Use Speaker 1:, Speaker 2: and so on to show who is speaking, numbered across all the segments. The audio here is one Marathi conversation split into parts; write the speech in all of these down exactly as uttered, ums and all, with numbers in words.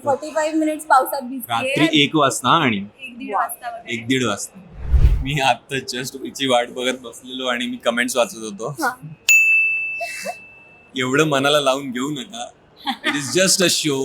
Speaker 1: पंचेचाळीस मिनिट्स पावसात भिजते
Speaker 2: रात्री एक वाजता आणि
Speaker 1: एक दीड वाजता वगैरे.
Speaker 2: एक दीड वाजता मी आता जस्ट हिची वाट बघत बसलेलो आणि मी कमेंट्स वाचत होतो.
Speaker 1: हा.
Speaker 2: एवढं मनाला लावून घेऊ नका. It is just a show.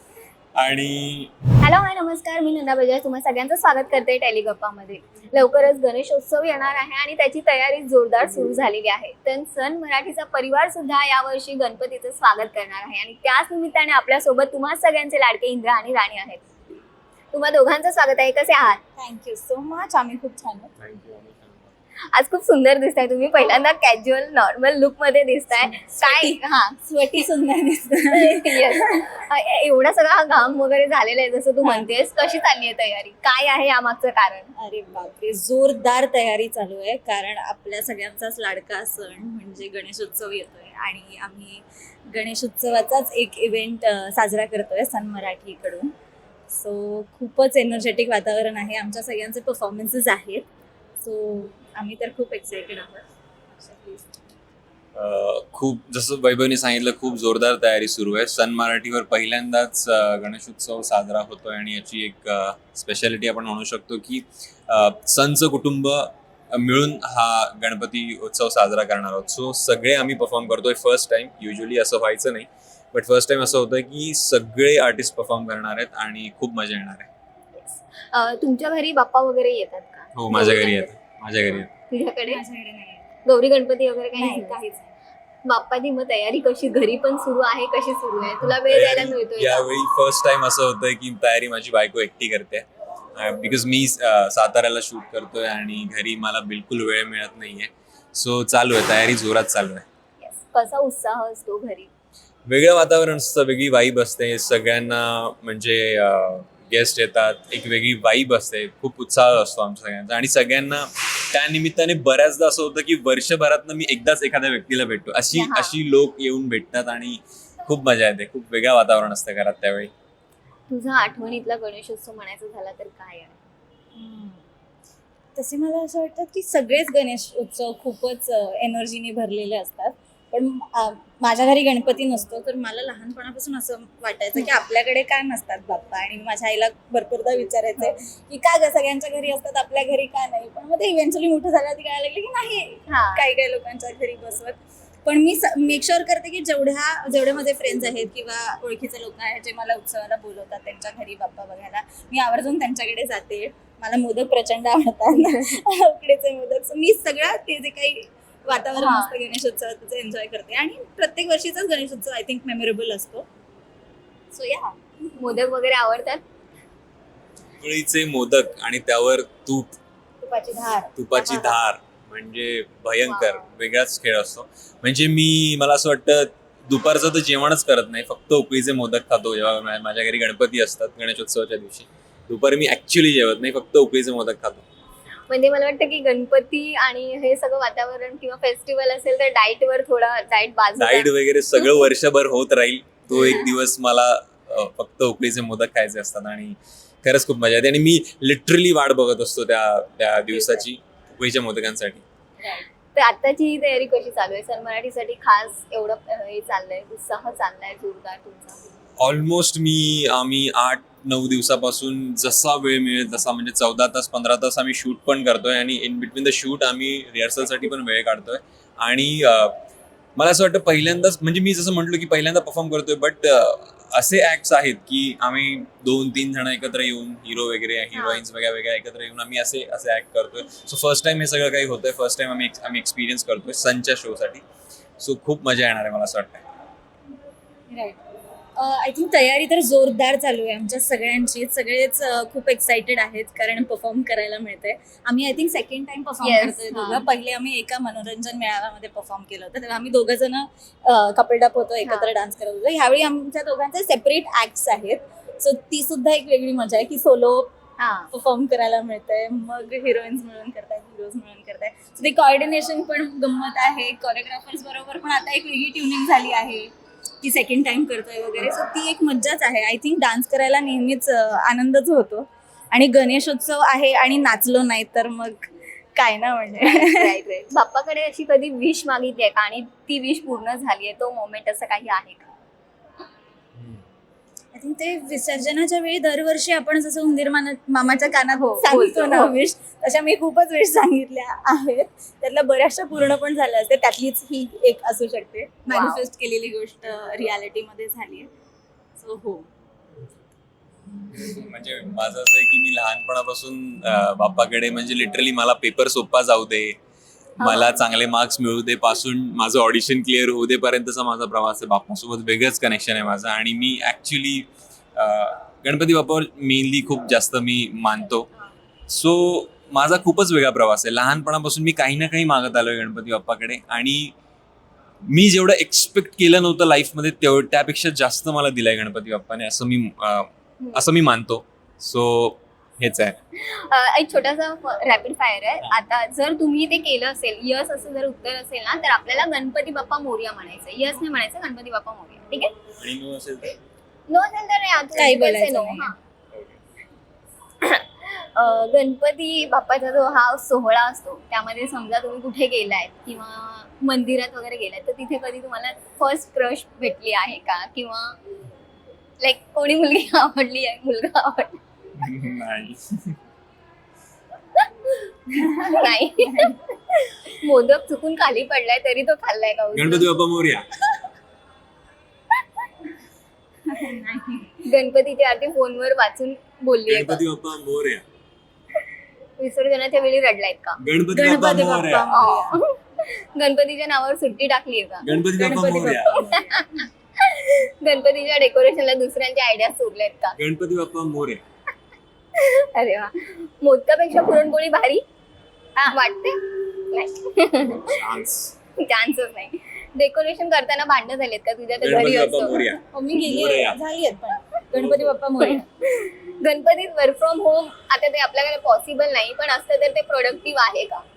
Speaker 2: आणि
Speaker 1: हॅलो हाय नमस्कार, मी नंदा बजाज तुम्हा सगळ्यांचं स्वागत करते टेलिगप्पामध्ये. लवकरच गणेशोत्सव येणार आहे आणि त्याची तयारी जोरदार सुरू झालेली आहे. तर सन मराठीचा परिवार सुद्धा यावर्षी गणपतीचं स्वागत करणार आहे आणि त्याच निमित्ताने आपल्यासोबत तुम्हा सगळ्यांचे लाडके इंद्रा आणि राणी आहेत. तुम्हा दोघांचं स्वागत आहे. कसे आहात?
Speaker 3: Thank you so much. आम्ही खूप छान आहोत.
Speaker 1: आज खूप सुंदर दिसताय तुम्ही. पहिल्यांदा कॅज्युअल नॉर्मल लुक मध्ये दिसताय. काय हा
Speaker 3: स्वटी सुंदर दिसत.
Speaker 1: Yes. एवढा सगळा घाम वगैरे झालेला आहे जसं तू म्हणतेस. कशी चालली आहे तयारी? काय आहे यामागचं कारण?
Speaker 3: अरे बापरे, जोरदार तयारी चालू आहे. कारण आपल्या सगळ्यांचाच लाडका सण म्हणजे गणेशोत्सव येतोय आणि आम्ही गणेशोत्सवाचाच एक इव्हेंट साजरा करतोय सन मराठीकडून. सो खूपच एनर्जेटिक वातावरण आहे. आमच्या सगळ्यांचे परफॉर्मन्सेस आहेत. सो आम्ही तर खूप एक्साइटेड आहोत.
Speaker 2: अं, खूप जसं वैभवने सांगितलं, खूप जोरदार तयारी सुरू आहे. सन मराठीवर पहिल्यांदाच अं, गणेशोत्सव साजरा होतोय आणि याची एक स्पेशालिटी आपण म्हणू शकतो की अं, सनचं कुटुंब मिळून हा गणपती उत्सव साजरा करणार आहोत. सो सगळे आम्ही परफॉर्म करतोय फर्स्ट टाइम. युजली असं व्हायचं नाही, बट फर्स्ट टाइम असं होतं की सगळे आर्टिस्ट परफॉर्म करणार आहेत आणि खूप मजा येणार आहे.
Speaker 1: अं, तुमच्या घरी बाप्पा वगैरे येतात का?
Speaker 2: हो, माझ्या घरी येतात. माझ्या घरी येतात.
Speaker 1: तुझ्याकडे
Speaker 3: माझ्याकडे नाही
Speaker 1: गौरी गणपती वगैरे काही
Speaker 3: नाही,
Speaker 1: नाही?
Speaker 3: काहीच
Speaker 1: बाप्पाची मग तयारी कशी घरी पण सुरू आहे? कशी सुरू आहे? तुला वेळ द्यायला मिळतोय का?
Speaker 2: यावेळी फर्स्ट टाइम असं होतंय की तयारी माझी बायको एकटी करते. बिकॉज मी अं, साताऱ्याला शूट करतोय आणि घरी मला बिलकुल वेळ मिळत नाहीये. सो चालू आहे, तयारी जोरात चालू आहे.
Speaker 1: Yes. कसा उत्साह असतो घरी?
Speaker 2: वेगळं वातावरण असतं, वेगळी वाईब असते. सगळ्यांना म्हणजे गेस्ट येतात, एक वेगळी वाईब असते. खूप उत्साह असतो आमच्या सगळ्यांचा आणि सगळ्यांना त्या निमित्ताने बऱ्याचदा असं होतं की वर्षभरातनं मी एकदाच एखाद्या व्यक्तीला भेटतो. अशी
Speaker 1: हा.
Speaker 2: अशी लोक येऊन भेटतात आणि खूप मजा येते. खूप वेगळं वातावरण असतं घरात त्यावेळी.
Speaker 1: तुझा आठवणीतला गणेशोत्सव म्हणायचा झाला तर काय आहे?
Speaker 3: हम्म. तसे मला असं वाटतं की सगळेच गणेश उत्सव खूपच एनर्जीने भरलेले असतात. पण अ, माझ्या घरी गणपती नसतो, तर मला लहानपणापासून असं वाटायचं की आपल्याकडे का नसतात बाप्पा. आणि माझ्या आईला भरपूरदा विचारायचे की का ग सगळ्यांच्या घरी असतात, आपल्या घरी का नाही. पण मग ते इव्हेंच्युअली मोठं झालं ती कळायला लागली की नाही,
Speaker 1: हा.
Speaker 3: काही काही लोकांच्या घरी बसवत. पण मी मेक शुअर करते की जेवढ्या जेवढे माझे फ्रेंड्स आहेत किंवा ओळखीचे लोक आहेत जे मला उत्सवाला बोलवतात त्यांच्या घरी बाप्पा बघायला, मी आवर्जून त्यांच्याकडे जाते. मला मोदक प्रचंड आवडतात, उकडीचे मोदक. So मी सगळं ते जे काही वातावरण
Speaker 1: हा.
Speaker 3: असतं गणेशोत्सवाचं एन्जॉय करते आणि प्रत्येक वर्षीचाच गणेशोत्सव आय थिंक मेमोरेबल असतो. सो या
Speaker 1: मोदक वगैरे आवडतात?
Speaker 2: उकळीचे मोदक आणि त्यावर तूप,
Speaker 3: तुपाची धार,
Speaker 2: तुपाची
Speaker 3: हा.
Speaker 2: धार म्हणजे भयंकर
Speaker 1: Wow.
Speaker 2: वेगळाच खेळ असतो. म्हणजे मी मला असं वाटतं दुपारचं तर जेवणच करत नाही, फक्त उकळीचे मोदक खातो. जेव्हा मा- माझ्या घरी गणपती असतात गणेशोत्सवाच्या दिवशी, दुपारी मी ऍक्च्युली जेवत नाही, फक्त उकळीचे मोदक खातो.
Speaker 1: म्हणजे मला वाटतं की गणपती आणि हे सगळं वातावरण किंवा फेस्टिवल असेल तर डाएट वर थोडा डाएट बाजूला.
Speaker 2: डाईट वगैरे सगळं वर्षभर होत राहील. तो एक दिवस मला अ, फक्त उकळीचे मोदक खायचे असतात आणि खरंच खूप मजा येते. आणि मी लिटरली वाट बघत असतो त्या त्या दिवसाची, उकळीच्या मोदकांसाठी.
Speaker 1: तर आताची ही तयारी कशी चालू आहे? सन मराठीसाठी खास एवढं अं, हे चाललंय, उत्साह चाललाय जोरदार तुमचा?
Speaker 2: ऑलमोस्ट मी आम्ही आठ नऊ दिवसापासून जसा वेळ मिळेल तसा, म्हणजे चौदा तास पंधरा तास आम्ही शूट पण करतोय आणि इन बिटवीन द शूट आम्ही रिहर्सलसाठी पण वेळ काढतोय. आणि अं, मला असं वाटतं पहिल्यांदाच, म्हणजे मी जसं म्हटलं की पहिल्यांदा परफॉर्म करतोय, बट असे ऍक्ट्स आहेत की आम्ही दोन तीन जण एकत्र येऊन, हिरो वगैरे हिरोईन्स वेगळ्या वेगळ्या एकत्र येऊन आम्ही असे असे ऍक्ट करतोय. सो फर्स्ट टाइम हे सगळं काही होतंय. फर्स्ट टाइम आम्ही आम्ही एक्सपिरियन्स करतोय सनच्या शोसाठी. सो खूप मजा येणार आहे मला असं वाटतं.
Speaker 3: राईट. आय थिंक तयारी तर जोरदार चालू आहे आमच्या सगळ्यांची. सगळेच अ, खूप एक्साइटेड आहेत कारण परफॉर्म करायला मिळतंय. आम्ही I think second time perform
Speaker 1: Yes,
Speaker 3: करतोय
Speaker 1: हा.
Speaker 3: दोघं. पहिले आम्ही एका मनोरंजन मेळाव्यामध्ये परफॉर्म केलं होतं, तेव्हा आम्ही दोघं जण कपल डप होतो, एकत्र
Speaker 1: हा.
Speaker 3: डान्स करत होतो. ह्यावेळी आमच्या दोघांचे सेपरेट ऍक्ट्स आहेत. सो ती सुद्धा एक वेगळी मजा आहे की सोलो
Speaker 1: हा.
Speaker 3: परफॉर्म करायला मिळतंय, मग हिरोईन्स मिळून करतायत, हिरोज मिळून करतायत. सो ते कॉर्डिनेशन पण गंमत आहे. कोरिओग्राफर्स बरोबर पण आता एक वेगळी ट्युनिंग झाली आहे की सेकंड टाइम करतोय वगैरे. सो ती एक मज्जाच आहे. आय थिंक डान्स करायला नेहमीच अ, आनंदच होतो आणि गणेशोत्सव आहे आणि नाचलो नाही तर मग काय ना. म्हणजे
Speaker 1: Right, right. बाप्पाकडे अशी कधी विश मागितली आहे का आणि ती विश पूर्ण झाली आहे? तो मोमेंट असं काही आहे का?
Speaker 3: आय थिंक ते विसर्जनाच्या वेळी दरवर्षी आपण जसं उंदीर माना मामाच्या कानात
Speaker 1: हो,
Speaker 3: सांगतो
Speaker 1: बोलतो,
Speaker 3: ना
Speaker 1: हो.
Speaker 3: विश, तशा मी खूपच विश सांगितल्या आहेत. त्यातल्या बऱ्याचशा पूर्ण पण झाल्या असते, त्यातलीच ही एक असू शकते. मॅनिफेस्ट केलेली गोष्ट रियालिटीमध्ये झाली आहे. सो हो.
Speaker 2: म्हणजे माझं असं आहे की मी लहानपणापासून अं, बाप्पाकडे म्हणजे लिटरली मला पेपर सोपा जाऊ दे, मला चांगले मार्क्स मिळू दे पासून माझं ऑडिशन क्लिअर होऊ दे पर्यंतचा माझा प्रवास आहे. बाप्पासोबत वेगळंच कनेक्शन आहे माझं. आणि मी ऍक्च्युली गणपती बाप्पावर मेनली खूप जास्त मी मानतो. सो माझा खूपच वेगळा प्रवास आहे. लहानपणापासून मी काही ना काही मागत आलोय गणपती बाप्पाकडे आणि मी जेवढं एक्सपेक्ट केलं नव्हतं लाईफमध्ये तेव त्यापेक्षा जास्त मला दिलाय गणपती बाप्पाने, असं मी अं, असं मी मानतो. सो हेच आहे.
Speaker 1: अ, एक छोटासा रॅपिड फायर आहे. आता जर तुम्ही ते केलं असेल, यस असं जर उत्तर असेल ना, तर आपल्याला गणपती बाप्पा मोरया म्हणायचं. यस नाही म्हणायचं, गणपती बाप्पा मोरया. ठीक आहे?
Speaker 2: आणि नो असेल तर
Speaker 1: नो असेल तर नाही, आता
Speaker 3: काही
Speaker 1: तुमचं
Speaker 3: बोलायचं
Speaker 1: no.
Speaker 3: नाही.
Speaker 1: हां. अ, गणपती बाप्पाचा जो हा सोहळा असतो त्यामध्ये समजा तुम्ही कुठे गेलाय किंवा मंदिरात वगैरे गेलाय, तर तिथे कधी तुम्हाला फर्स्ट क्रश भेटली आहे का? किंवा लाईक कोणी मुलगी आवडली आहे, मुलगा आवडला
Speaker 2: नाही.
Speaker 1: नाही? मोदक चुकून खाली पडलाय तरी तो खाल्लाय का उचलून?
Speaker 2: गणपती बाप्पा मोरया.
Speaker 1: गणपतीची आरती फोनवर वाचून बोलली आहे का?
Speaker 2: गणपती बाप्पा मोरया.
Speaker 1: विसर्जनाच्या वेळी रडलायत का?
Speaker 2: गणपती बाप्पा
Speaker 3: गणपती
Speaker 2: मोरया.
Speaker 3: बाप्पा
Speaker 1: अं. गणपतीच्या नावावर सुट्टी टाकली आहे का?
Speaker 2: गणपती बाप्पा
Speaker 3: गणपती
Speaker 2: मोरया.
Speaker 3: बाप्पा.
Speaker 1: गणपतीच्या डेकोरेशनला दुसऱ्यांच्या आयडिया सुरल्यात का?
Speaker 2: गणपती बाप्पा मोरया.
Speaker 1: अरे वा. मोदकापेक्षा पुरणपोळी भारी वाटते? नाही.
Speaker 2: चान्स.
Speaker 1: चान्सच नाही. डेकोरेशन करताना भांडणं झालेत का तुझ्या तर
Speaker 2: गणपती
Speaker 1: घरी
Speaker 2: बाप्पा
Speaker 1: असतो?
Speaker 2: मोरया.
Speaker 3: हो, मी गेली
Speaker 2: मोरया.
Speaker 3: झाली आहेत पण गणपती बाप्पा मोरया.
Speaker 1: गणपतीत वर्क फ्रॉम होम आता ते आपल्याकडे पॉसिबल नाही, पण असतं तर ते प्रोडक्टिव्ह आहे का?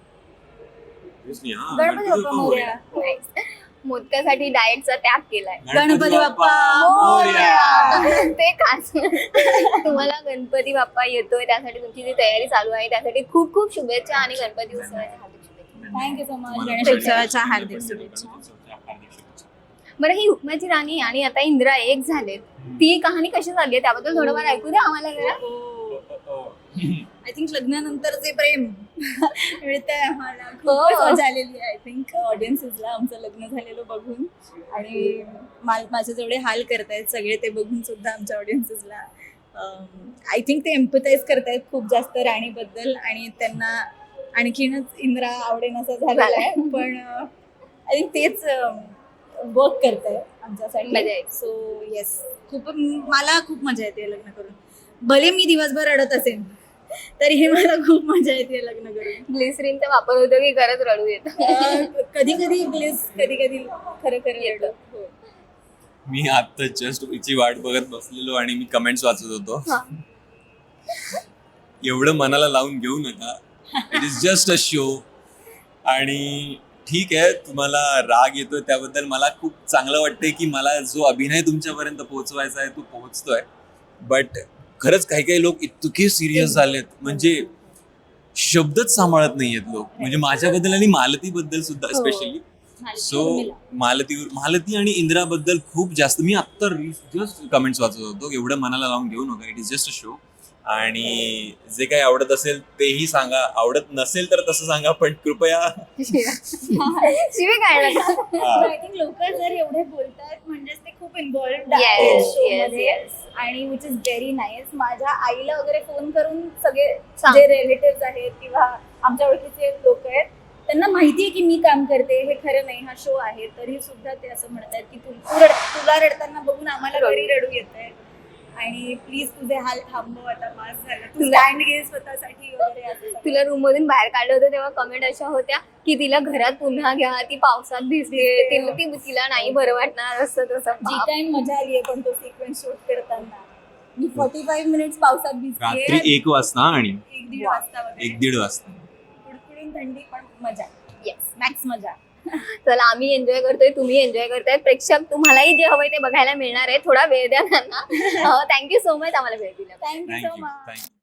Speaker 2: हा,
Speaker 3: गणपती बाप्पा मोरया.
Speaker 1: नाही. मोदकासाठी डाएटचा त्याग केलाय.
Speaker 3: गणपती बाप्पा
Speaker 2: मोरया.
Speaker 1: ते खास. तुम्हाला गणपती बाप्पा येतोय त्यासाठी तुमची जी तयारी चालू आहे त्यासाठी खूप खूप शुभेच्छा आणि गणपती उत्सवाच्या हार्दिक शुभेच्छा.
Speaker 3: Thank you so much. गणेशोत्सवाच्या हार्दिक शुभेच्छा.
Speaker 1: बरं, ही हुकमाची राणी आणि आता इंदिरा एक झालेत, ती कहाणी कशी चालली आहे त्याबद्दल थोडंफार ऐकू द्या आम्हाला जरा.
Speaker 3: आय थिंक लग्नानंतरचे प्रेम मिळतंय आम्हाला.
Speaker 1: हो.
Speaker 3: खूपच मजा आलेली आहे. आय थिंक ऑडियन्सेसला आमचं लग्न झालेलं बघून आणि माल माझे जेवढे हाल करतायत सगळे ते बघून सुद्धा आमच्या ऑडियन्सेसला आय थिंक ते एम्पथाईज करतायत खूप जास्त राणीबद्दल आणि त्यांना आणखीनच इंद्रा आवडेन असं झालेलं आहे. पण आय थिंक तेच वर्क करताय
Speaker 1: मजा
Speaker 3: आमच्यासाठी.
Speaker 1: येते.
Speaker 3: सो येस, खूप मला खूप मजा येते लग्न करून. भले मी दिवसभर रडत असेन तरीही मला खूप मजा येते लग्न करून.
Speaker 1: ग्लिसरीनचा वापर होतो की खरंच रडू येतं?
Speaker 3: कधी कधी ग्लिस, कधी कधी खरं खरं
Speaker 1: येतं.
Speaker 3: रडत. हो.
Speaker 2: मी आता जस्ट हिची वाट बघत बसलेलो आणि मी कमेंट्स वाचत होतो.
Speaker 1: हा.
Speaker 2: एवढं मनाला लावून घेऊ नका. It is just a show. आणि ठीक आहे, तुम्हाला राग येतोय त्याबद्दल मला खूप चांगलं वाटतंय की मला जो अभिनय तुमच्यापर्यंत पोहोचवायचा आहे तो पोहोचतोय. बट खरंच काही काही लोक इतके सिरियस झालेत, म्हणजे शब्दच सांभाळत नाहीयेत लोक, म्हणजे माझ्याबद्दल आणि मालतीबद्दल सुद्धा
Speaker 1: हो.
Speaker 2: स्पेशली. सो मालतीवर मालती आणि इंदिराबद्दल खूप जास्त मी आत्ता जस्ट कमेंट्स वाचत होतो. एवढं मनाला लावून घेऊ नका. It is just a show. आणि जे काही आवडत असेल तेही सांगा, आवडत नसेल तर तसं सांगा, पण कृपया
Speaker 1: शिवी काय नका.
Speaker 3: आय थिंक लोक जर एवढे बोलतात म्हणजेच ते खूप इन्व्हॉल्ड
Speaker 1: Yes,
Speaker 3: आहेत
Speaker 1: yes,
Speaker 3: शोमध्ये
Speaker 1: yes.
Speaker 3: आणि विच इज व्हेरी नाईस. माझ्या आईला वगैरे फोन करून सगळे
Speaker 1: सांग.
Speaker 3: जे रिलेटिव्ह आहेत किंवा आमच्या ओळखीचे लोक आहेत त्यांना माहिती आहे की मी काम करते, हे खरं नाही, हा शो आहे, तरी सुद्धा ते असं म्हणतात की तू तू रड- तुला रडताना बघून आम्हाला घरी रडू येतंय आणि प्लीज तुझे हाल थांबव, आता पास झालं, तू स्टँड घे स्वतःसाठी वगैरे असं.
Speaker 1: तुला रूम मधून बाहेर काढलं होतं तेव्हा कमेंट अशा होत्या की तिला घरात पुन्हा घ्या, ती पावसात भिजते, तिला ती तिला नाही बरं वाटणार असं तसं.
Speaker 3: जी टाइम मजा आली आहे पण तो सिक्वेन्स शूट करताना मी फोर्टी फाईव्ह मिनिट्स पावसात भिजते
Speaker 2: रात्री एक वाजता आणि
Speaker 3: एक दीड वाजता वगैरे
Speaker 2: एक दीड वाजता
Speaker 3: कुडकुडून थंडी पण मजा.
Speaker 1: येस.
Speaker 3: मॅक्स मजा.
Speaker 1: चला, आम्ही एन्जॉय करतोय, तुम्ही एन्जॉय करताय, प्रेक्षक तुम्हालाही जे हवंय ते बघायला मिळणार आहे. थोडा वेळ द्या त्यांना. थँक्यू सो मच आम्हाला वेळ दिला.
Speaker 3: Thank you so
Speaker 2: thank you
Speaker 3: much.
Speaker 2: Thank you